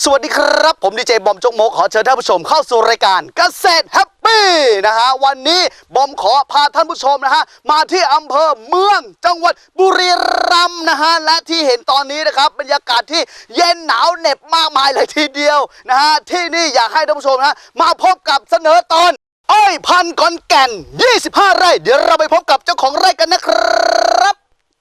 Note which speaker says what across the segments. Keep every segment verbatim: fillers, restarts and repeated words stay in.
Speaker 1: สวัสดีครับผมดีเจบอมจกมกขอเชิญท่านผู้ชมเข้าสู่รายการเกษตรแฮปปี้นะฮะวันนี้บอมขอพาท่านผู้ชมนะฮะมาที่อำเภอเมืองจังหวัดบุรีรัมย์นะฮะและที่เห็นตอนนี้นะครับบรรยากาศที่เย็นหนาวเหน็บมากมายเลยทีเดียวนะฮะที่นี่อยากให้ท่านผู้ชมนะฮะมาพบกับเสนอตอนอ้อยพันธุ์ขอนแก่นยี่สิบห้าไร่เดี๋ยวเราไปพบกับเจ้าของไร่กันนะครับ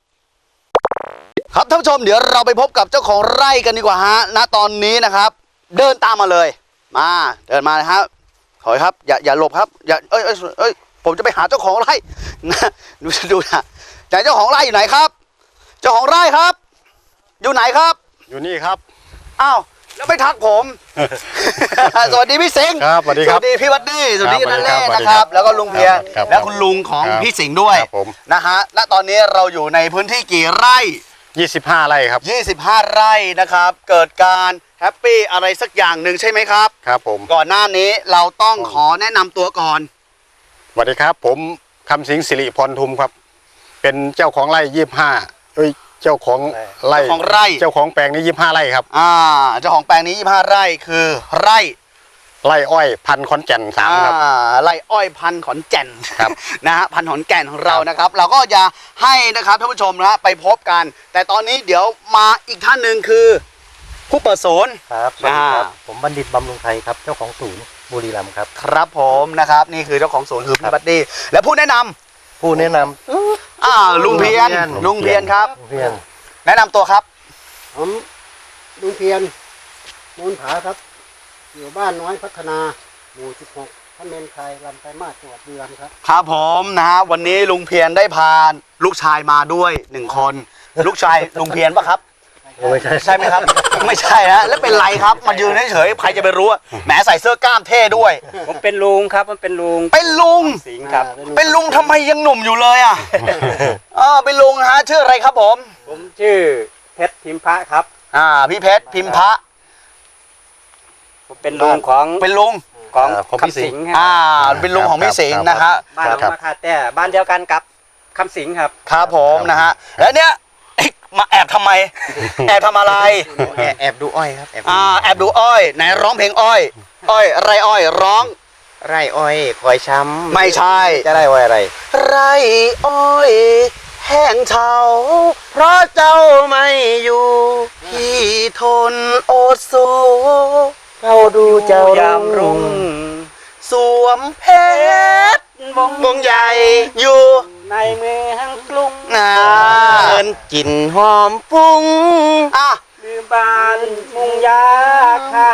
Speaker 1: ครับท่านผู้ชมเดี๋ยวเราไปพบกับเจ้าของไร่กันดีกว่าฮะณตอนนี้นะครับเดินตามมาเลยมาเดินมานะครับขอครับอย่าอย่าหลบครับอย่าเอ้ยเอ้ยเอ้ยผมจะไปหาเจ้าของไร่นะดูดูนะแต่เจ้าของไร่อยู่ไหนครับเจ้าของไร่ครับอยู่ไหนครับ
Speaker 2: อยู่นี่ครับ
Speaker 1: อ้าวแล้วไม่ทักผม สวัสดีพี่สิงห์
Speaker 2: ครับสวัสดีครับ
Speaker 1: สวัสดีพี่วัดดี้สวัสดีนั่นแหละนะครับแล้วก็ลุงเพียรและคุณลุงของพี่สิงห์ด้วยนะฮะและตอนนี้เราอยู่ในพื้นที่กี่ไร่
Speaker 2: ยี่สิบห้าไร่ครับ
Speaker 1: ยี่สิบห้าไร่นะครับเกิดการแฮปปี้อะไรสักอย่างหนึ่งใช่ไหมครับ
Speaker 2: ครับผม
Speaker 1: ก่อนหน้านี้เราต้องขอแนะนำตัวก่อน
Speaker 2: สวัสดีครับผมคำสิงห์สิริพรทุมครับเป็นเจ้าของไร่ยี่สิบห้าเอ้ยเจ้าของไร่
Speaker 1: ของไร่
Speaker 2: เจ้าของแปลงนี้ยี่สิบห้าไร่ครับ
Speaker 1: อ่าเจ้าของแปลงนี้ยี่สิบห้าไร่คือไร่
Speaker 2: ไร่อ้อยพันขอนแก่นสามครับ
Speaker 1: ไร่อ้อยพันขอนแก่น
Speaker 2: ครับ
Speaker 1: นะฮะพันขอนแก่นของเรานะครับเราก็จะให้นะครับท่านผู้ชมนะไปพบกันแต่ตอนนี้เดี๋ยวมาอีกท่านหนึ่งคือผู้เปิดศูนย์
Speaker 3: ครับสวัสดีครับผมบัณฑิตบำรุงไทยครับเจ้าของศูนย์บุรีรัมย์ครับ
Speaker 1: ครับผมนะครับนี่คือเจ้าของศูนย์คือพี่บัดดี้และผู้แนะนำ
Speaker 3: ผู้แนะน
Speaker 1: ำอ่าลุงเพียรลุงเพียรครับ
Speaker 3: ลุงเพียร
Speaker 1: แนะนำตัวครับ
Speaker 4: ผมลุงเพียรมูลผาครับอยู่บ้านน้อยพัฒนาหมู่สิบหกท่านเมนไทยลำไส้มาจังหวัดบุรีรัมย์ครับ
Speaker 1: ครับผมนะฮะวันนี้ลุงเพียรได้พาลูกชายมาด้วยหนึ่งคนลูกชายลุงเพียรปะครับ
Speaker 3: ไม่ใช่
Speaker 1: ใช่ไหมครับไม่ใช่ฮะแล้วเป็นไรครับมายืนเฉยๆใครจะไปรู้แหมใส่เสื้อกล้ามเท่ด้วย
Speaker 3: ผมเป็นลุงครับมันเป็นลุง
Speaker 1: เป็นลุง
Speaker 3: สิงห์ครับ
Speaker 1: เป็นลุงทำไมยังหนุ่มอยู่เลยอ่ะอ๋อเป็นลุงฮะชื่ออะไรครับผม
Speaker 3: ผมชื่อเพชรพิมพะครับ
Speaker 1: อ่าพี่เพชรพิมพะ
Speaker 3: ผมเป็นลุงของ
Speaker 1: เป็นลุง
Speaker 3: ของคำสิงห์
Speaker 1: อ่าเป็นลุงของพี่สิงห์นะครับ
Speaker 3: บ้านหนองมะขาแต่บ้านเดียวกันกับคำสิงห์ครับ
Speaker 1: ครับผมนะฮะแล้วเนี้ยมาแอบทำไมแอบทำอะไร
Speaker 3: แอบดูอ้อยครับ
Speaker 1: อ่าแอบดูอ้อยไหนร้องเพลงอ้อยอ้อยไรอ้อยร้อง
Speaker 3: ไรอ้อยคอยช้ำ
Speaker 1: ไม่ใช่
Speaker 3: จะได้อ้อยอะไร
Speaker 1: ไรอ้อยแห้งเฉาเพราะเจ้าไม่อยู่พี่ทนโอดสู
Speaker 3: เราดูเจ้ายามรุ่ง
Speaker 1: สวมเพชรวงใหญ่อยู่
Speaker 3: ในเมืองกรุง
Speaker 1: นะ
Speaker 3: เดินกลิ่นหอมฟุ้ง
Speaker 1: อ่ะ
Speaker 3: ลืมบ้านมุงยาคา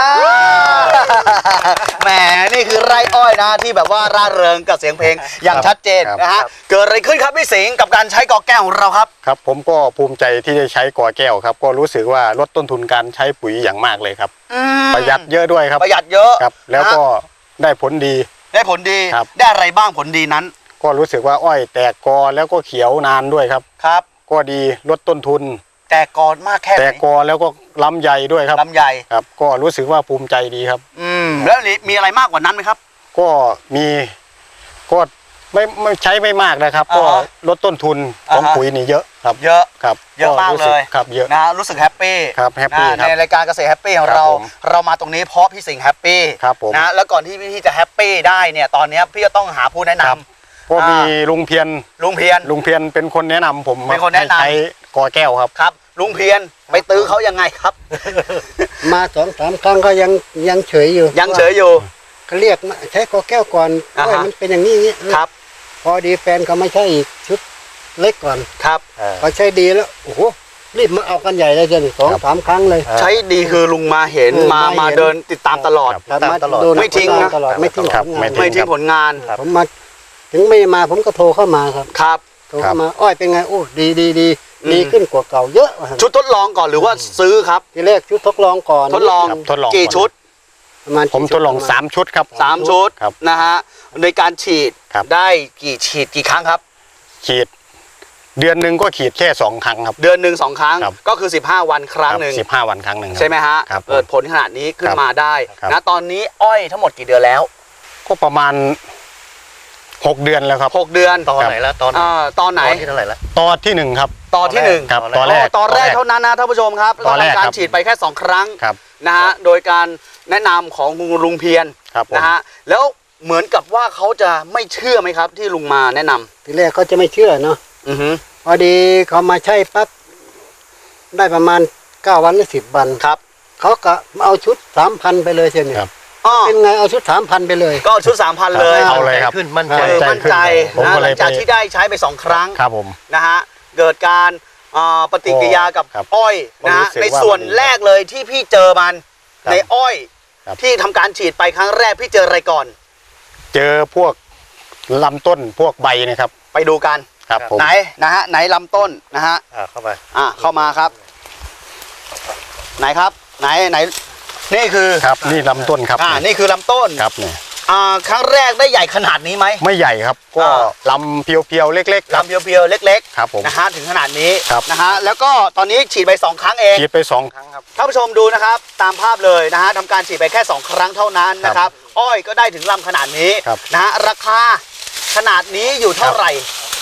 Speaker 1: แหมนี่คือไร่อ้อยนะที่แบบว่าร่าเริงกับเสียงเพลงอย่างชัดเจนนะฮะเกิดอะไรขึ้นครับพี่สิงห์กับการใช้กอแก้วของเราครับ
Speaker 2: ครับผมก็ภูมิใจที่ได้ใช้กอแก้วครับก็รู้สึกว่าลดต้นทุนการใช้ปุ๋ยอย่างมากเลยครับประหยัดเยอะด้วยครับ
Speaker 1: ประหยัดเยอะ
Speaker 2: ครับแล้วก็ได้ผลดี
Speaker 1: ได้ผลดีได้อะไรบ้างผลดีนั้น
Speaker 2: ก็รู้สึกว่าอ้อยแตกกอแล้วก็เขียวนานด้วยครับ
Speaker 1: ครับ
Speaker 2: ก็ดีลดต้นทุน
Speaker 1: แตกกอมากแค่ไหน
Speaker 2: แตกกอแล้วก็ลำใหญ่ด้วยครับ
Speaker 1: ลำใหญ่
Speaker 2: ครับก็รู้สึกว่าภูมิใจดีครับ
Speaker 1: อืมแล้วมีอะไรมากกว่านั้นไหมครับ
Speaker 2: ก็มีก็ไม่ไม่ใช้ไม่มากนะครับก็ลดต้นทุนของปุ๋ยนี่เยอะครับ
Speaker 1: เยอะ
Speaker 2: ครับ
Speaker 1: เยอะมากเลย
Speaker 2: ครับเยอะ
Speaker 1: นะรู้สึกแฮปปี้
Speaker 2: ครับแฮปปี้
Speaker 1: ในรายการเกษตรแฮปปี้ของเราเรามาตรงนี้เพราะพี่สิงห์แฮปปี้
Speaker 2: ครับผม
Speaker 1: นะแล้วก่อนที่พี่จะแฮปปี้ได้เนี่ยตอนนี้พี่จะต้องหาผู้แนะนำ
Speaker 2: ก็มีลุงเพียร
Speaker 1: ลุงเพียร
Speaker 2: ลุงเพียรเป็นคนแนะนำผม
Speaker 1: เป็นคนแนะนำ
Speaker 2: ใช้กอแก้วครับ
Speaker 1: ครับลุงเพียรไปตื้อเขายังไงครับ
Speaker 4: มาสองสามครั้งก็ยังยังเฉยอยู่
Speaker 1: ยังเฉยอยู่
Speaker 4: เขาเรียกใช้กอแก้วก่อนว่ามันเป็นอย่างนี้
Speaker 1: ครับ
Speaker 4: พอดีแฟนเขาไม่ใช่อีกชุดเล็กก่อน
Speaker 1: ครับ
Speaker 4: พอใช้ดีแล้วโอ้โหรีบมาเอากันใหญ่เลยจนสองสามครั้งเลย
Speaker 1: ใช้ดีคือลุงมาเห็นมามาเดินติดตามตลอด
Speaker 4: ตามตลอดไม่ทิ้งนะตลอดไม่ทิ้งผลงาน
Speaker 1: ไม่ทิ้งผลงาน
Speaker 4: ผมมาถึงไม่มาผมก็โทรเข้ามาครับ
Speaker 1: ครับ
Speaker 4: โทรเข้ามาอ้อยเป็นไงโอ้ดีดีดีดีขึ้นกว่าเก่าเยอะ
Speaker 1: ชุดทดลองก่อนหรือว่าซื้อครับ
Speaker 4: ทีแรกชุดทดลองก่อน
Speaker 1: ทดลองกี่ชุด
Speaker 4: ประมาณ
Speaker 2: ผมทดลองสามชุดครับ
Speaker 1: สามชุดนะฮะในการฉีดได้กี่ฉีดกี่ครั้งครับ
Speaker 2: ฉีดเดือนหนึ่งก็ฉีดแค่สองครั้งครับ
Speaker 1: เดือนหนึ่งสองครั้งก็คือสิบห้าวันครั้งหนึ่ง
Speaker 2: สิบห้าวันครั้งหนึ่ง
Speaker 1: ใช่ไหมฮะเกิดผลขนาดนี้ขึ้นมาได้นะตอนนี้อ้อยทั้งหมดกี่เดือนแล้ว
Speaker 2: ก็ประมาณหกเดือนแล้วครับ
Speaker 1: หกเดือน
Speaker 3: ตอนไหนแล้วตอน
Speaker 1: อ่าตอนไหน
Speaker 3: ตอนที่เท่าไหร่แล้ว
Speaker 2: ตอนที่หนึ่งครับ
Speaker 1: ตอนที่หนึ่ง
Speaker 2: ครับ
Speaker 3: ต
Speaker 2: ต
Speaker 3: อ
Speaker 2: อน น
Speaker 3: แร
Speaker 2: แร
Speaker 3: ก
Speaker 2: ก
Speaker 1: ตอนแรกเท่านั้นนะท่านผู้ชมครับ
Speaker 2: ตอนแรก
Speaker 1: ทำการ
Speaker 2: ครับ
Speaker 1: ฉีดไปแค่สองครั้ง
Speaker 2: ครับ
Speaker 1: นะฮะโดยการแนะนำของคุณลุงเพียร
Speaker 2: ครับผม
Speaker 1: นะฮะแล้วเหมือนกับว่าเขาจะไม่เชื่อไหมครับ ที่ลุงมาแนะนำ
Speaker 4: ทีแรกเขาจะไม่เชื่อเนาะ
Speaker 1: อือฮึ
Speaker 4: พอดีเขามาใช้ปั๊บได้ประมาณเก้าวันหรือสิบวัน
Speaker 1: ครับ
Speaker 4: เขาก็เอาชุดสามพันไปเลยเช่นนี้
Speaker 2: ครับ
Speaker 1: อ๋อ
Speaker 4: เป็นไงเอาชุดสามพันไปเลย
Speaker 1: ก็ชุดสามพันเลย
Speaker 2: เอาเลยครับ
Speaker 3: ขึ้นมั่นใจ
Speaker 1: เออมั่นใจ
Speaker 2: ผม
Speaker 1: นะ
Speaker 2: ก็
Speaker 1: ห
Speaker 2: เล
Speaker 1: ลั
Speaker 2: ย
Speaker 1: งจาก
Speaker 2: ไป
Speaker 1: ที่ได้ใช้ไปสองครั้ง
Speaker 2: ครับผม
Speaker 1: นะฮะเกิดการอ่าปฏิกิริยากับ
Speaker 2: ครับ
Speaker 1: อ้อยนะฮะ
Speaker 2: ผมรู้สึก
Speaker 1: ใน
Speaker 2: ว่า
Speaker 1: ส่วน
Speaker 2: มันดี
Speaker 1: แรกเลยที่พี่เจอมัน
Speaker 2: ครับ
Speaker 1: ในอ้อย
Speaker 2: ครับ
Speaker 1: ที่ทำการฉีดไปครั้งแรกพี่เจออะไรก่อน
Speaker 2: เจอพวกลำต้นพวกใบเนะครับ
Speaker 1: ไปดูกัน
Speaker 2: ครับผม
Speaker 1: ไหนนะฮะไหนลำต้นนะฮะ
Speaker 3: อ่าเข้าไป
Speaker 1: อ่ะเข้ามาครับ ไหนครับ ไหนไหนนี่คือ
Speaker 2: ครับนี่ลำต้นครับ
Speaker 1: อ่านี่คือลำต้น
Speaker 2: ครับเนี่ย
Speaker 1: อ่าครั้งแรกได้ใหญ่ขนาดนี้ไหม
Speaker 2: ไม่ใหญ่ครับ ก็
Speaker 1: อ่า
Speaker 2: ลำเพียวๆเล็กๆครับ
Speaker 1: ลำเพียวๆเล็ก
Speaker 2: ครับผม
Speaker 1: ๆนะฮะถึงขนาดนี้
Speaker 2: ครับ
Speaker 1: นะฮะแล้วก็ตอนนี้ฉีดไปสองครั้งเอง
Speaker 2: ฉีดไปสองครั้งครับ
Speaker 1: ท่านผู้ชมดูนะครับ ตามภาพเลยนะฮะทำการฉีดไปแค่สองครั้งเท่านั้นนะครับ อ้อยก็ได้ถึงลำขนาดนี้
Speaker 2: ครับ
Speaker 1: นะฮะราคาขนาดนี้อยู่เท่าไหร่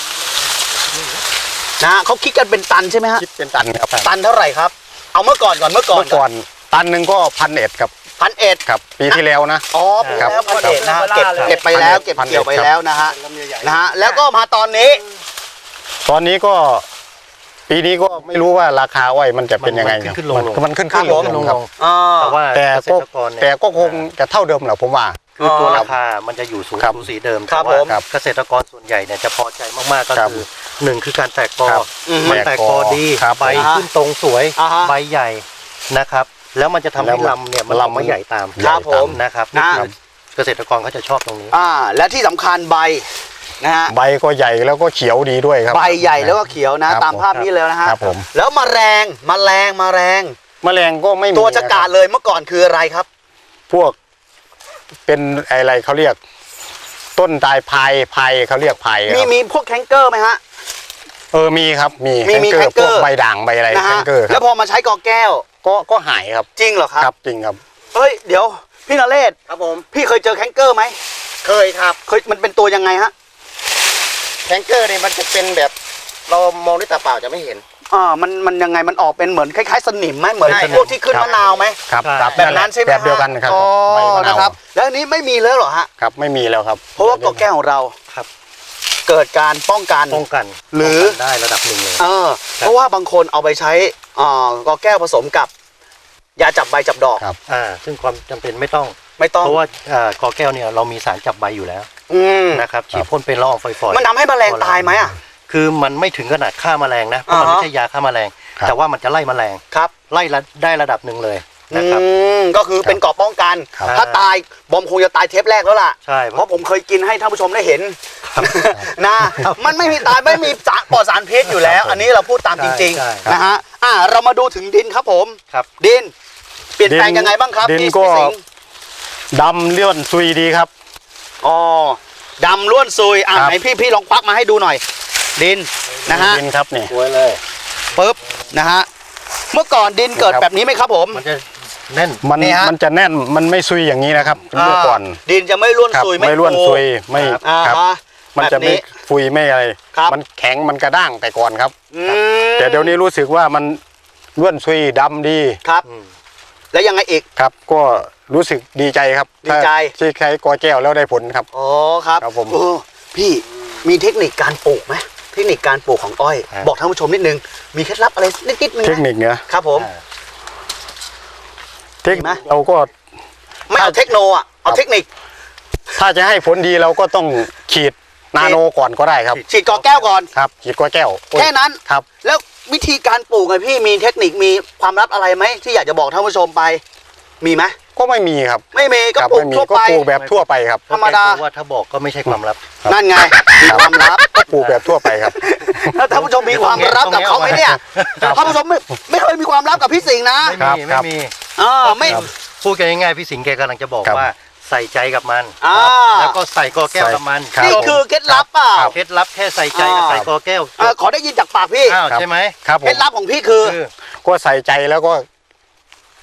Speaker 1: นะฮะเขาคิดกันเป็นตันใช่ไหมฮะ
Speaker 2: คิดเป็นตันครับ
Speaker 1: ตันเท่าไหร่ครับ เอาเมื่อก่อนก่อนเมื่อก่อน
Speaker 2: เมื่อก่อนตันหนึ่งก็พันเอ็ดครับ
Speaker 1: พันเอ็ด
Speaker 2: ครับปีที่แล้วนะ
Speaker 1: อ๋อปี
Speaker 2: ครับ
Speaker 1: แล้วพันเอ็ดนะฮะเก็บ
Speaker 2: ครับ
Speaker 1: เก็บไปแล้ว เก็บ
Speaker 2: พันเอ็ด
Speaker 1: เกี่ยวไป
Speaker 2: ครับ
Speaker 1: แล้วนะฮะนะฮะแล้วก็มาตอนนี้
Speaker 2: ตอนนี้ก็ ปีนี้ก็ไม่รู้ว่าราคาอ้อยมันจะเป็นยังไง
Speaker 3: มันขึ้นๆลงๆ
Speaker 2: มันมันขึ้น
Speaker 1: ครั
Speaker 2: ขึ้
Speaker 1: บ
Speaker 2: น
Speaker 1: ผม
Speaker 2: ลงๆครับ
Speaker 1: อ่า
Speaker 3: แต่ว่า
Speaker 2: แต่
Speaker 3: เกษ
Speaker 2: ก็
Speaker 3: ตรกรเนี่ย
Speaker 2: แต่ก็คงจะเท่าเดิมแหละผมว่า
Speaker 3: คือตัว
Speaker 1: อ๋อ
Speaker 3: ราคามันจะอยู่สูง
Speaker 2: ครับ
Speaker 3: สูสีเดิม
Speaker 1: ครับ
Speaker 3: แต่ว่า
Speaker 1: ผม
Speaker 3: เกษตรกรส่วนใหญ่เนี่ยจะพอใจมากๆก็
Speaker 2: ครับ
Speaker 3: คือหนึ่งคือการแตกกอ
Speaker 2: ครับ
Speaker 1: อืม
Speaker 3: มันแตกกอดี
Speaker 2: ครับ
Speaker 3: ใบขึ้นตรงสวย
Speaker 1: อ่าฮะ
Speaker 3: ใบใหญ่นะครับ แล้วมันจะทำ
Speaker 2: แล้
Speaker 3: ให้
Speaker 2: วมัน
Speaker 3: ลำเนี่ยมัน
Speaker 2: ลำ
Speaker 3: ลำไม่ใหญ่ตาม
Speaker 1: ครับผม
Speaker 3: นะครับ
Speaker 1: นะ
Speaker 3: นี่คือเกษตรกรเขาจะชอบตรงนี้
Speaker 1: อ่าและที่สำคัญใบนะฮะ
Speaker 2: ใบก็ใหญ่แล้วก็เขียวดีด้วยครับ
Speaker 1: ใบใหญ่แล้วก็เขียวนะ
Speaker 2: ครับ
Speaker 1: ตามภาพนี้เลยนะฮะ
Speaker 2: ครับผม
Speaker 1: แล้วมแมลงมแมลงมแมลง
Speaker 2: แมลงก็ไม่มี
Speaker 1: ตัวจะกาด
Speaker 2: นะครับ
Speaker 1: เลยเมื่อก่อนคืออะไรครับ
Speaker 2: พวกเป็นอะไรเขาเรียก ต้นตายพายพายเขาเรียกพายค
Speaker 1: มี
Speaker 2: รับ
Speaker 1: มีพวกแคนเกอร์ไหมฮะ
Speaker 2: เออมีครับมี
Speaker 1: มีมี
Speaker 2: แคนเกอร์
Speaker 1: แคนเกอร์
Speaker 2: พวกใบด่างใบอะไร
Speaker 1: นะ
Speaker 2: แค
Speaker 1: ฮะ
Speaker 2: นเกอร์ค
Speaker 1: แล้
Speaker 2: รับ
Speaker 1: วพอมาใช้กอแก้ว
Speaker 2: ก็ก็หายครับ
Speaker 1: จริงเหรอครับ
Speaker 2: ครับจริงครับ
Speaker 1: เฮ้ยเดี๋ยวพี่นเรศ
Speaker 4: ครับผม
Speaker 1: พี่เคยเจอแคนเกอร์ไหม
Speaker 4: เคยครับ
Speaker 1: เคยมันเป็นตัวยังไงฮะ
Speaker 4: แทงเกอร์เนี่ยมันจะเป็นแบบ เรามองด้วยตาเปล่าจะไม่เห็น
Speaker 1: อ่ามันมันยังไงมันออกเป็นเหมือนคล้ายๆสนิมไหมเหมือน
Speaker 2: ใช่
Speaker 1: พวกที่ขึ้น
Speaker 2: ครับ
Speaker 1: มะนาวไหม
Speaker 2: ครับ
Speaker 3: ใช่
Speaker 2: ครับ
Speaker 1: แบบนั้นใช่ไหม
Speaker 2: แบบเดียวกัน
Speaker 1: ฮะ
Speaker 2: ครับ
Speaker 1: อ๋อ
Speaker 2: ใบมะนาว
Speaker 1: นะครับแล้วอันนี้ไม่มีแล้วเหรอฮะ
Speaker 2: ครับไม่มีแล้วครับ
Speaker 1: เพราะว่ากอแก้วของเรา
Speaker 3: ครับ
Speaker 1: เกิดการป้องกัน
Speaker 3: ป้องกัน
Speaker 1: หรือ
Speaker 3: ป้งกันได้ระดับหนึ่งเลย
Speaker 1: เออเพราะว่าบางคนเอาไปใช้อ่ากอแก้วผสมกับ ยาจับใบจับดอก
Speaker 2: ครับ
Speaker 3: อ่าซึ่งความจำเป็นไม่ต้อง
Speaker 1: ไม่ต้อง
Speaker 3: เพราะว่าอ่ากอแก้วเนี่ยเรามีสารจับใบอยู่แล้ว
Speaker 1: อืม
Speaker 3: นะครับฉีดพ่นเป็นละอองฝอยๆ
Speaker 1: มันทำให้แมลงตายไหมอ่ะ
Speaker 3: คือมันไม่ถึงขนาดฆ่าแมลงนะเพราะมัน
Speaker 1: อ่าฮะ
Speaker 3: ไม่ใช่ยาฆ่าแมลง
Speaker 2: ครับ
Speaker 3: แต่ว่ามันจะไล่แมลง
Speaker 1: ครับ
Speaker 3: ไล่ระได้ระดับหนึ่งเลย
Speaker 1: อื
Speaker 3: นะครับ
Speaker 1: มก็คือเป็นเกราะป้องกัน
Speaker 2: ครับ
Speaker 1: ถ้าตายบอมคงจะตายเทปแรกแล้วล่ะ
Speaker 3: ใช่
Speaker 1: เพราะผมเคยกินให้ท่านผู้ชมได้เห็นนะมันไม่มีตายไม่มีสารปลอดสารพิษอยู่แล้ว อันนี้เราพูดตามจริง
Speaker 3: ใช่
Speaker 1: ๆนะฮะอ่าเรามาดูถึงดินครับผม
Speaker 3: ครับ
Speaker 1: ดิน เปลี่ยนแปลง
Speaker 2: ดิน
Speaker 1: ยังไงบ้างครับ
Speaker 2: ดิน
Speaker 1: พี่
Speaker 2: ก็
Speaker 1: พี่สิงห์
Speaker 2: ดำเลื่อนซุยดีครับ
Speaker 1: อ๋อดำล้วนซุยอ่า
Speaker 2: ครับ
Speaker 1: ไหนพี่พี่ลองควักมาให้ดูหน่อย ดินนะฮะ
Speaker 2: ดินครับนี่
Speaker 3: สวยเลย
Speaker 1: ปึ๊บนะฮะเมื่อก่อนดินเกิด
Speaker 2: ครับ
Speaker 1: แบบนี้ไหมครับผม
Speaker 3: มันจะแน่น
Speaker 2: มัน
Speaker 1: นี่ฮะ
Speaker 2: มันจะแน่นมันไม่ซุยอย่างนี้นะครับเมื่อก่อน
Speaker 1: ดินจะไม่ล้วน
Speaker 2: ครับ
Speaker 1: ซุย
Speaker 2: ไม่ร่วน
Speaker 1: ฟู
Speaker 2: ซุยไม่
Speaker 1: อ่า
Speaker 2: ครับ
Speaker 1: ฮะ
Speaker 2: มันจะ
Speaker 1: แบบ
Speaker 2: ไม่ฟุยไม่อะไร
Speaker 1: ครับ
Speaker 2: มันแข็งมันกระด้างแต่ก่อนครับ
Speaker 1: อืม
Speaker 2: แต่เดี๋ยวนี้รู้สึกว่ามันร่วนซุยดำดี
Speaker 1: ครับ
Speaker 3: อืม
Speaker 1: แล้วยังไงอีก
Speaker 2: ครับ ก็รู้สึกดีใจครับ
Speaker 1: ดีใจ
Speaker 2: ถ้าที่ใช้กอแก้วแล้วได้ผลครับ
Speaker 1: อ๋อครับ
Speaker 2: ครับผม
Speaker 1: เออพี่มีเทคนิคการปลูกไหมเทคนิคการปลูกของอ้อย
Speaker 3: ครับ
Speaker 1: บอกท่านผู้ชมนิดนึงมีเคล็ดลับอะไรนิดๆนึง
Speaker 2: เท
Speaker 1: ไห
Speaker 2: ค
Speaker 1: ม
Speaker 2: นิคเนี้ย
Speaker 1: ครับผม
Speaker 3: อ่า
Speaker 2: เทค
Speaker 1: มีไหม
Speaker 2: นิคเราก็
Speaker 1: ไม่เอาเทคโนอ่ะเอา
Speaker 2: ครับ
Speaker 1: เทคนิค
Speaker 2: ถ้าจะให้ผลดีเราก็ต้องฉีดนาโนก่อนก็ได้ครับ
Speaker 1: ฉีดกอแก้วก่อน
Speaker 2: ครับฉีดกอแก้วโอ้ย
Speaker 1: แค่นั้น
Speaker 2: ครับ
Speaker 1: แล้ววิธีการปลูกไงพี่มีเทคนิคมีความลับอะไรไหมที่อยากจะบอกท่านผู้ชมไป มีไหม
Speaker 2: ก็ไม่มีครับ
Speaker 1: ไม่มีก็
Speaker 2: ครับ
Speaker 1: ปลูก
Speaker 2: ไม่มี
Speaker 1: ทั่ว
Speaker 2: ก็
Speaker 1: ไป
Speaker 2: ปลูกแบบทั่วไปครับ
Speaker 1: ธรรมดา
Speaker 3: เพะว่าถ้าบอกก็ไม่ใช่ความลับ
Speaker 2: ครับ
Speaker 1: นั่นไงมีความลับ
Speaker 2: ก็ปลูกแบบทั่วไปครับ
Speaker 1: แล้วท่านผู้ชมมีความลับกับเขาไหมเนี่ย
Speaker 2: ครับ
Speaker 1: ท่านผู้ชมไม่ไม่เคยมีความลับกับพี่สิงห์นะ
Speaker 3: ไม่
Speaker 2: ครับ
Speaker 3: มี
Speaker 2: ครั
Speaker 3: ไม่
Speaker 2: บ
Speaker 3: มี
Speaker 1: เออไม่
Speaker 2: ครับ
Speaker 3: พูดกันง่ายๆพี่สิงห์แกกำลังจะบอก
Speaker 2: ครับ
Speaker 3: ว่าใส่ใจกับมัน
Speaker 1: อ่า
Speaker 3: แล้วก็ใส่กอแก้วกับมัน
Speaker 2: ครับ
Speaker 1: นี่คือเคล็ดลับเปล่า
Speaker 3: เคล็ดลับแค่ใส่ใจกับ
Speaker 1: อ่า
Speaker 3: ใส่กอแก้ว
Speaker 1: เออขอได้ยินจากปากพี่
Speaker 3: อ้าว
Speaker 2: ครับ
Speaker 3: ใช่ไหม
Speaker 2: ครับผ
Speaker 1: เคล็
Speaker 2: ม
Speaker 1: ดลับของพี่คือ
Speaker 3: คือ
Speaker 2: ก็ใส่ใจแล้วก็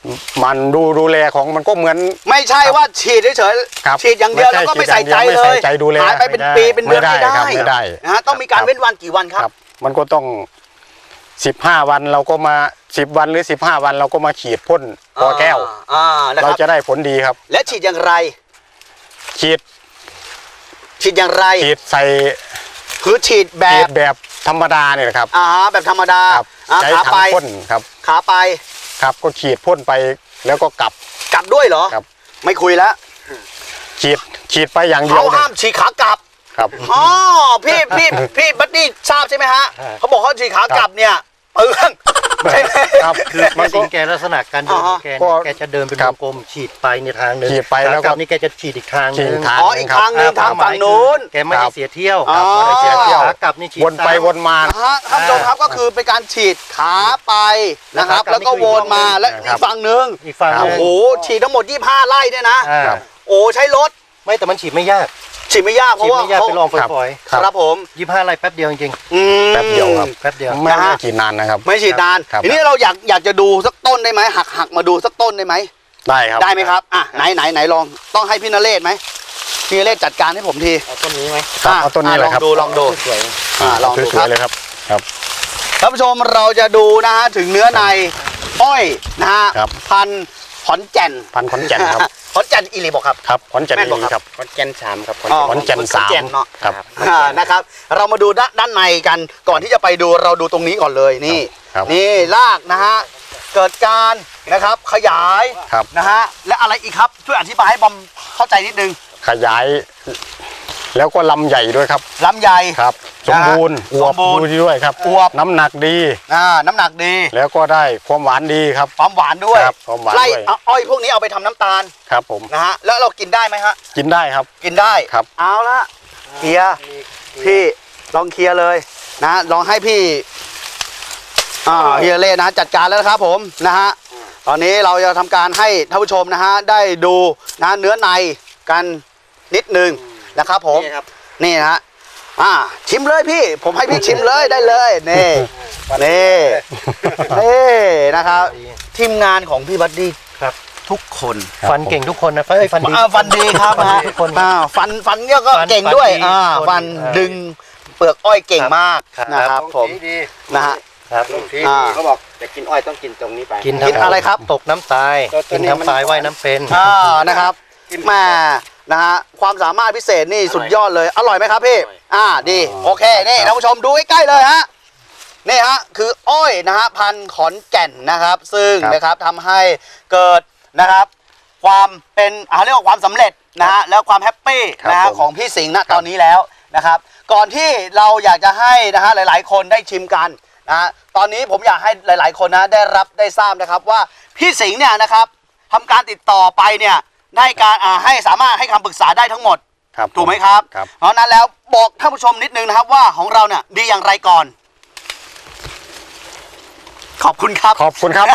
Speaker 2: มันดูดูแลของมันก็เหมือน
Speaker 1: ไม่ใช่ว่าฉีดเฉย
Speaker 2: ครับ
Speaker 1: ๆฉีดอย่างเดียว
Speaker 2: ไม่
Speaker 1: แล้ว
Speaker 2: ใช่
Speaker 1: ก็ไม่ใส่ใจ
Speaker 2: ฉีดอย่างเดียว
Speaker 1: เล
Speaker 2: ไม่
Speaker 1: ย
Speaker 2: ใส่ใจดูแล
Speaker 1: หายไปเป็น
Speaker 2: ไม่ได้
Speaker 1: ปีเป็นเดือน
Speaker 2: ไม่
Speaker 1: ไม่
Speaker 2: ได้
Speaker 1: ได้
Speaker 2: ครับไม่ได้
Speaker 1: นะฮะต้องมีการเว้นวันกี่วันครับ
Speaker 2: ครับ มันก็ต้องสิบห้าวันเราก็มาสิบวันหรือสิบห้าวันเราก็มาฉีดพ่นกอแก้ว
Speaker 1: อ่านะค
Speaker 2: เรา
Speaker 1: รับ
Speaker 2: จะได้ผลดีครับ
Speaker 1: และฉีดอย่างไร
Speaker 2: ฉีด
Speaker 1: ฉีดอย่างไร
Speaker 2: ฉีดใส่
Speaker 1: คือฉีดแบ
Speaker 2: ฉี
Speaker 1: บ
Speaker 2: ดแบบธรรมดาเนี่ยนะครับ
Speaker 1: อ่าแบบธรรมดา
Speaker 2: ครับ
Speaker 1: อ่า
Speaker 2: ใช้
Speaker 1: ขา
Speaker 2: ถัง
Speaker 1: ไป
Speaker 2: พ่นครับ
Speaker 1: ขาไป
Speaker 2: ครับก็ฉีดพ่นไปแล้วก็กลับ
Speaker 1: กลับด้วยเหรอ
Speaker 2: ครับ
Speaker 1: ไม่คุยแล้ว
Speaker 2: ฉีดฉีดไปอย่างเดีย
Speaker 1: เขา
Speaker 2: วเลย
Speaker 1: ห้ามฉีดขากลับ
Speaker 2: ครับ
Speaker 1: อ๋อพี่พี่พี่บัดดี้ทราบใช่ไหมฮะเขาบอกเขาฉีดขากลับเนี่ยเปลืองใช่ไหม
Speaker 2: ครับ
Speaker 3: คือ
Speaker 2: มัน
Speaker 3: สิ
Speaker 2: ก็
Speaker 3: งแกลักษณะการเดินของแก
Speaker 2: ก็
Speaker 3: เนี่ยแกจะเดินเป็น
Speaker 2: คว รับ
Speaker 3: งกลมฉีดไปในทางหนึง
Speaker 2: ฉีดไปแล้วก็
Speaker 3: ขากบนี่แกจะฉีดอีกทางห
Speaker 2: ฉี
Speaker 3: นึ
Speaker 2: ด
Speaker 3: ง
Speaker 2: ทาง
Speaker 1: อ๋ออีกทางหนึ่งทางฝั่งนู้น
Speaker 3: แกไม่ให้เสียเที่ยว
Speaker 1: อ๋อ
Speaker 3: ไม่ให้เสียเที่ยวขากลับนี่ฉีด
Speaker 2: วนไป
Speaker 3: ซ้ำ
Speaker 2: วนมา
Speaker 1: นะฮะท่านผู้ชมครับก็คือเป็นการฉีดขาไปนะครับ
Speaker 3: แล้วขากลับ
Speaker 1: แล้วก็วนมา
Speaker 3: นี่คือ
Speaker 1: และ
Speaker 2: ครั
Speaker 1: อี
Speaker 2: บ
Speaker 1: กฝั่งหนึ่ง
Speaker 3: อีกฝั่งห
Speaker 1: โอ้
Speaker 3: นึง
Speaker 1: โหฉีดทั้งหมดยี่สิบห้าไร่เนี่ยนะ
Speaker 3: อ่า
Speaker 2: ครับ
Speaker 1: โอ้ใช้รถ
Speaker 3: ไม่แต่มันฉีดไม่ยาก
Speaker 1: ฉีดไม่ยากเพ
Speaker 3: ฉีด
Speaker 1: ราะว่า
Speaker 3: ไม่ยากไปลองฝ
Speaker 2: ครับ
Speaker 3: อย
Speaker 1: ครับผม
Speaker 3: ๆยี่สิบห้าไร่แป๊บเดียวจริง
Speaker 1: อืม
Speaker 2: แป๊บเดียวครับ
Speaker 3: ๆแป๊บเดียว
Speaker 2: ไม่
Speaker 1: นะฮะ
Speaker 2: ไม่ฉีดนานนะครับ
Speaker 1: ไม่ฉีดนาน
Speaker 2: ครับ
Speaker 1: ทีนี้เราอยากอยากจะดูสักต้นได้ไหมหักหักมาดูสักต้นได้ไหม
Speaker 2: ได้ครับ
Speaker 1: ได้ไหมครับอ่ะไหนไหนไหนลองต้องให้พี่นเรศไหมพี่นเรศจัดการให้ผมที
Speaker 3: เอาต้นนี้ไหม
Speaker 2: ครับเอาต้นนี้เลยครับ
Speaker 1: ลองดูลองดู
Speaker 3: สวย
Speaker 1: อ่าลองดู
Speaker 2: ส
Speaker 1: ครั
Speaker 2: วย
Speaker 1: บ
Speaker 2: ๆเลยครับครับ
Speaker 1: ท่านผู้ชมเราจะดูนะฮะถึงเนื้อในอ้อยนะฮะ
Speaker 2: ครับ
Speaker 1: พันธุ์ขอนแก่น
Speaker 2: พันธุ์ขอนแก่นครับ
Speaker 1: ขอนแก่นอีหลีบอกครับ
Speaker 2: ครับขอนแก่น
Speaker 1: แม่นบอก
Speaker 2: ดี
Speaker 1: ครับ
Speaker 2: ครับ
Speaker 3: ขอนแก่นสามครับ
Speaker 1: อ๋อ
Speaker 2: ขอนแก่นสาม
Speaker 1: ขอเนาะ
Speaker 2: ครับ
Speaker 1: อ่านะครับ เรามาดูด้านด้านในกันก่อนที่จะไปดูเราดูตรงนี้ก่อนเลยนี่
Speaker 2: ครับ
Speaker 1: นี่รากนะฮะเกิดการนะครับขยาย
Speaker 2: ครับ
Speaker 1: นะฮะและอะไรอีกครับช่วยอธิบายให้บอมเข้าใจนิดนึง
Speaker 2: ขยาย แล้วก็ลำใหญ่ด้วยครับ
Speaker 1: ลำไย
Speaker 2: ครับ สมบูรณ์อวบ
Speaker 1: สมบูรณ์
Speaker 2: ดูดีด้วยครับ
Speaker 1: อวบ
Speaker 2: น้ำหนักดี
Speaker 1: อ่าน้ำหนักดี
Speaker 2: แล้วก็ได้ความหวานดีครับ
Speaker 1: ความหวานด้วย
Speaker 2: ครับความหวาน
Speaker 1: ไล่
Speaker 2: ด้วย
Speaker 1: เอาอ้อยพวกนี้เอาไปทำน้ำตาล
Speaker 2: ครับผม
Speaker 1: นะฮะแล้วเรากินได้ไหมฮะ
Speaker 2: กินได้ครับ
Speaker 1: กินได้
Speaker 2: ครับ
Speaker 1: เอาละเคลียร์พี่ลองเคลียร์เลยนะลองให้พี่อ่าเฮียเล่นะจัดการแล้วนะครับผมนะฮะตอนนี้เราจะทำการให้ท่านผู้ชมนะฮะได้ดูนะเนื้อในกันนิดนึงนะครับผมนี่นะฮะอ่าชิมเลยพี่ ผมให้พี่ชิมเลยได้เลยนี่นี่นี่นะครับทีมงานของพี่บัดดี้
Speaker 3: ครับ
Speaker 1: ทุกคน
Speaker 2: ครับ
Speaker 3: ฟันเก่งทุกคนนะเอ้ยฟันดี
Speaker 1: อ่าฟันดีครับ
Speaker 3: ฟัน
Speaker 1: นะ
Speaker 3: ดีทุกคน
Speaker 1: อ่าฟันฟันเนี่ยก็
Speaker 3: ฟัน
Speaker 1: เก่งด้วย
Speaker 3: ฟันดี
Speaker 1: อ่า
Speaker 3: ทุกคน
Speaker 1: ฟัน
Speaker 3: เออ
Speaker 1: ดึงเปลือกอ้อยเก่งมาก
Speaker 3: ครับ
Speaker 1: นะครับผมนะฮะ
Speaker 3: ครับ
Speaker 1: อ่า
Speaker 5: เขาบอกจะกินอ้อยต้องกินตรงนี้ไป
Speaker 3: กิน
Speaker 1: กินอะไรครับ
Speaker 3: ตกน้ำตาย
Speaker 5: ตัว
Speaker 3: กิน
Speaker 5: นี้มัน
Speaker 3: น้ำตายว่ายน้ำเป็น
Speaker 1: อ่านะครับแม่นะฮะความสามารถพิเศษนี่สุดยอดเลยอร่อยไหมครับพี่อ่าดีโอเคนี่ท่านผู้ชมดูใกล้ๆเลยฮะนี่ฮะคืออ้อยนะฮะพันธุ์ขอนแก่นนะครับ ซึ่ง
Speaker 2: ครับ
Speaker 1: นะครับทำให้เกิดนะครับ ความเป็นอ่าเรียกว่าความสำเร็จนะฮะแล้วความแฮปปี้
Speaker 2: ครับ
Speaker 1: นะฮะ
Speaker 2: ผม
Speaker 1: ของพี่สิงห์ณตอนนี้แล้วนะครับ ก่อนที่เราอยากจะให้นะฮะหลาย ๆ คนได้ชิมกันนะฮะตอนนี้ผมอยากให้หลาย ๆ คนนะได้รับได้ทราบนะครับว่าพี่สิงห์เนี่ยนะครับทำการติดต่อไปเนี่ยได้การอ่าให้สามารถให้คำปรึกษาได้ทั้งหมด
Speaker 2: ครับ
Speaker 1: ถูกไหมครับ
Speaker 2: ครับ
Speaker 1: เพราะฉะนั้นแล้วบอกท่านผู้ชมนิดนึงนะครับว่าของเราเนี่ยดีอย่างไรก่อน ขอบคุณครับ
Speaker 2: ขอบคุณครับ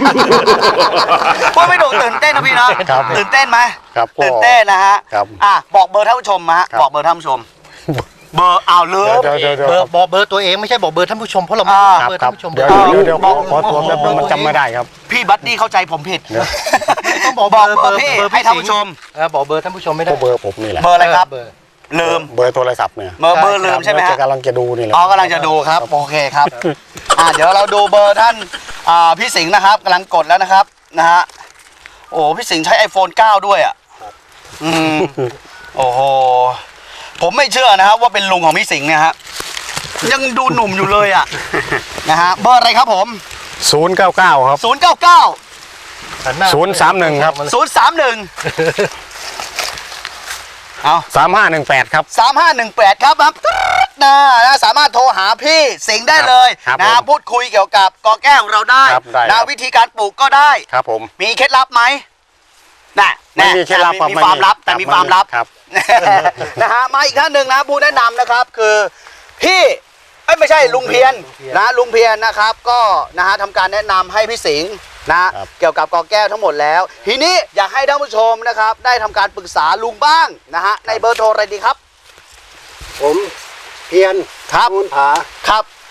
Speaker 1: พูดไม่ถูกตื่นเต้นนะพี่นะครับ ตื่นเต้นไหม
Speaker 2: ครับก็
Speaker 1: ตื่นเต้นนะฮะ
Speaker 2: ครับ
Speaker 1: อ่ะบอกเบอร์ท่านผู้ชมมาฮะ
Speaker 2: ครับ
Speaker 1: บอกเบอร์ท่านผู้ชม เบอร์อ้าวเลิฟ
Speaker 2: เดี๋ยวเดี๋ยวเดี๋ยว
Speaker 3: เบอร์บอกเบอร์ตัวเองไม่ใช่บอกเบอร์ท่านผู้ชมเพราะเราไม่
Speaker 1: อ่า
Speaker 3: รู้เบอร์
Speaker 2: ครั
Speaker 3: ท่า
Speaker 2: บ
Speaker 3: นผู้ชม
Speaker 2: เดี๋ยว
Speaker 3: บอร์
Speaker 2: เดี๋ยวเดี๋ยวขอขอตัวแป๊บนึงมันจำไม่ได้ครับ
Speaker 1: พี่บัดดี้เข้าใจผมผิด
Speaker 3: ต้องบอก
Speaker 1: บอก
Speaker 3: เบ
Speaker 1: เบ
Speaker 3: อ
Speaker 1: อ
Speaker 3: ร์
Speaker 1: ร์พี่
Speaker 3: เบอร์
Speaker 1: ให้ท่านผู้ชม
Speaker 3: เออบอกเบอร์ท่านผู้ชมไม่ได้
Speaker 2: ก็เบอร์ผมนี่แหละ
Speaker 1: เบอร์อะไรครับ
Speaker 3: เบอร์
Speaker 1: ลืม
Speaker 2: เบอร์โทรศัพท์เนี่ย
Speaker 1: เบอร์เบอร์ลืมใช่ไหม
Speaker 2: เดี๋ยว
Speaker 1: ฮะ
Speaker 2: จะกำลังจะดูนี่แหละ
Speaker 1: อ๋อกำลังจะดูครับโอเคครับอ่าเดี๋ยวเราดูเบอร์ท่านอ่าพี่สิงห์นะครับกำลังกดแล้วนะครับนะฮะโอ้พี่สิงห์ใช้ ไอโฟนเก้า ด้วยอ่ะอืมโอ้โหผมไม่เชื่อนะครับว่าเป็นลุงของพี่สิงห์เนี่ยฮะยังดูหนุ่มอยู่เลยอ่ะนะฮะเบอร์อะไรครับผม
Speaker 2: ศูนย์เก้าเก้าครับ
Speaker 1: ศูนย์ เก้า เก้า
Speaker 3: หันหน้า
Speaker 2: ศูนย์สามหนึ่งครับ
Speaker 1: ศูนย์ สาม หนึ่งเอา
Speaker 2: สามห้าหนึ่งแปดครับ
Speaker 1: สามห้าหนึ่งแปดครับครับนะนะสามารถโทรหาพี่สิงห์ได้เลย
Speaker 2: ครับ
Speaker 1: นะ
Speaker 2: ผม
Speaker 1: พูดคุยเกี่ยวกับกอแก้วของเราได้
Speaker 2: ครับได้ครั
Speaker 1: นะ
Speaker 2: บ
Speaker 1: วิธีการปลูกก็ได้
Speaker 2: ครับผม
Speaker 1: มีเคล็ดลับไหมน่ะ
Speaker 2: ไม่มีเคล็ดลับ
Speaker 1: มี
Speaker 2: ครับ
Speaker 1: มี
Speaker 2: ไม่
Speaker 1: ความลับแต่
Speaker 2: ครับ
Speaker 1: มีความลับ
Speaker 2: ครับ
Speaker 1: นะฮะมาอีกท่านหนึ่งนะผู้แนะนำนะครับคือพี่เอ้ยไม่ใช่ลุงเพียรนะลุงเพียรนะครับก็นะฮะทำการแนะนำให้พี่สิงห์นะครับ เกี่ยวกับกอแก้วทั้งหมดแล้ว ทีนี้อยากให้ท่านผู้ชมนะครับได้ทำการปรึกษาลุงบ้างนะฮะในเบอร์โทรอะไรดีครับ
Speaker 4: ผมเพียร
Speaker 1: ครับ
Speaker 4: มูลผา
Speaker 1: ครับ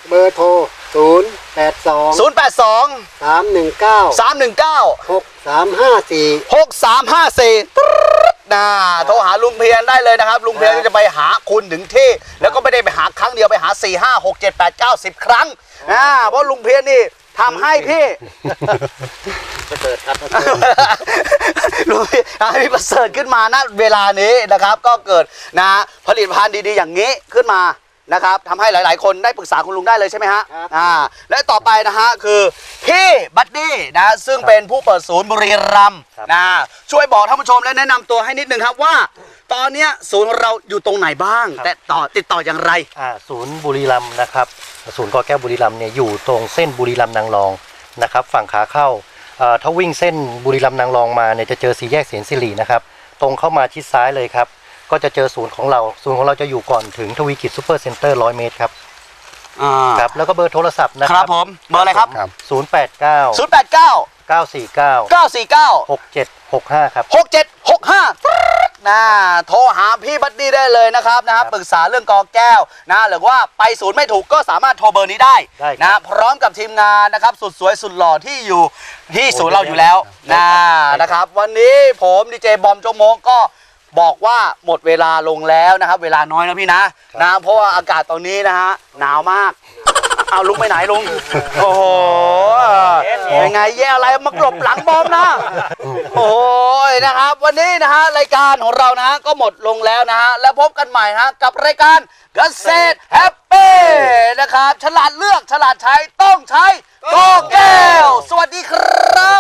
Speaker 4: เบอร์โทรศูนย์แปดสอง
Speaker 1: ศูนย์ แปด สอง
Speaker 4: สามหนึ่งเก้า
Speaker 1: สาม หนึ่ง เก้า
Speaker 4: หกสามห้าสี่
Speaker 1: หก สาม ห้า สี่นะโทรหาลุงเพียรได้เลยนะครับลุงเพียรก็จะไปหาคุณถึงที่แล้วก็ไม่ได้ไปหาครั้งเดียวไปหาสี่ ห้า หก เจ็ด แปด เก้า สิบครั้งนะเพราะลุงเพียรนี่ทำให้พี่
Speaker 5: ประเสริฐครับ
Speaker 1: ลุงเพียรทำให้พี่ประเสริฐขึ้นมาณเวลานี้นะครับ ก็เกิดนะผลิตภัณฑ์ดีๆอย่างนี้ขึ้นมานะครับทำให้หลายๆ คนได้ปรึกษาคุณลุงได้เลยใช่ไหมฮะอ่าและต่อไปนะฮะคือพี่บัดดี้นะซึ่งเป็นผู้เปิดศูนย์บุรีรัมย์นะช่วยบอกท่านผู้ชมและแนะนำตัวให้นิดนึงครับว่า ตอนเนี้ยศูนย์ของเราอยู่ตรงไหนบ้าง แต่ต่อติดต่ออย่างไร
Speaker 3: อ่าศูนย์บุรีรัมย์นะครับศูนย์กอแก้วบุรีรัมย์เนี่ยอยู่ตรงเส้นบุรีรัมย์นางรองนะครับฝั่งขาเข้าเอ่อถ้าวิ่งเส้นบุรีรัมย์นางรองมาเนี่ยจะเจอสี่แยกเสียนสิรินะครับตรงเข้ามาชิดซ้ายเลยครับก็จะเจอศูนย์ของเราศูนย์ของเราจะอยู่ก่อนถึงทวีกิจซูเปอร์เซ็นเตอร์ร้อยเมตรครับ
Speaker 1: อ่า
Speaker 3: ครับแล้วก็เบอร์โทรศัพท์นะ
Speaker 1: ค
Speaker 3: ค
Speaker 1: รั
Speaker 3: รั
Speaker 1: บบ ผมเบอร์อะไรครับ
Speaker 2: ครับ
Speaker 3: ศูนย์แปดเก้า
Speaker 1: ศูนย์ แปด เก้า
Speaker 3: เก้าสี่เก้า
Speaker 1: เก้า สี่ เก้า
Speaker 3: หกเจ็ดหกห้าครับ
Speaker 1: หก เจ็ด หก ห้านะโทรหาพี่บัดดี้ได้เลยนะครับนะปรึกษาเรื่องกอแก้วนะหรือว่าไปศูนย์ไม่ถูกก็สามารถโทรเบอร์นี้ได้
Speaker 3: ได้ครับ
Speaker 1: นะพร้อมกับทีมงานนะครับสุดสวยสุดหล่อที่อยู่ที่ศูนย์เราอยู่แล้วนะนะครับวันนี้ผมดีเจบอมโจโมกก็บอกว่าหมดเวลาลงแล้วนะครับเวลาน้อยนะพี่นะนะเพราะว่าอากาศตอนนี้นะฮะหนาวมากเอาลุงไปไหนลุงโอ้โหยังไงแย่อะไรมากลบหลังบอมนะโอ้ยนะครับวันนี้นะฮะรายการของเรานะฮะก็หมดลงแล้วนะฮะแล้วพบกันใหม่นะฮะกับรายการเกษตรแฮปปี้นะครับฉลาดเลือกฉลาดใช้ต้องใช้กอแก้วสวัสดีครับ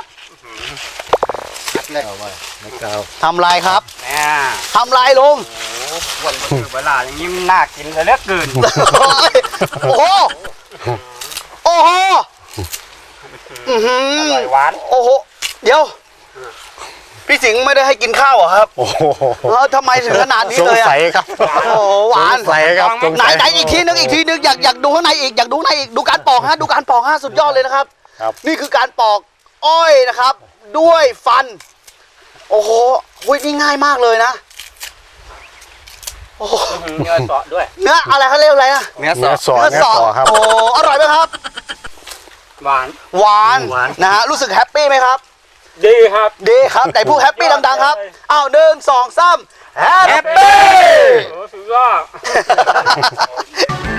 Speaker 1: ทำไรครับ
Speaker 5: แม่
Speaker 1: ทำไรลุง
Speaker 5: วันวันเวลาอย่างนี้มันน่ากินเลยเหลือเกิน
Speaker 1: โอ้โห โอ้โหอื้อหื
Speaker 5: อร่อยหวาน
Speaker 1: โอ้โห เดี๋ยว พี่สิงห์ไม่ได้ให้กินข้าวเหรอครับ
Speaker 2: โอ้โห
Speaker 1: เออทำไมถึงขนาดนี้
Speaker 2: สง
Speaker 1: เลยอะ
Speaker 2: สัยครับ
Speaker 1: โอ้โหหวาน
Speaker 2: สงสัยครับสง
Speaker 1: ไหน
Speaker 2: สัย
Speaker 1: ไหนอีกทีนึงอีกทีนึงอยากอยากดูข้างในอีกอยากดูข้างในอีกดูการปอกฮะดูการปอกฮะสุดยอดเลยนะครับ
Speaker 2: ครับ
Speaker 1: นี่คือการปอกอ้อยนะครับ ด้วยฟัน โอ้โหหุ้ยนี่ง่ายมากเลยนะโอ้โห
Speaker 5: เนื้อเสาะด้วย
Speaker 1: เนื้ออะไรเขาเรียกอะไรอะ
Speaker 5: เนื้อ
Speaker 2: เนื้อ
Speaker 5: เสาะ
Speaker 2: สอเนื้อสอครับ
Speaker 1: โอ้อร่อยไหมครับ
Speaker 5: หวาน
Speaker 1: หวาน
Speaker 3: หวาน
Speaker 1: นะฮะรู้สึกแฮปปี้ไหมครับ
Speaker 5: ดีครับ
Speaker 1: ดีครับแต่พูดแฮปปี้ดังๆครับอ้าวหนึ่งสองสามแฮปปี้
Speaker 5: โอ้สุดยอด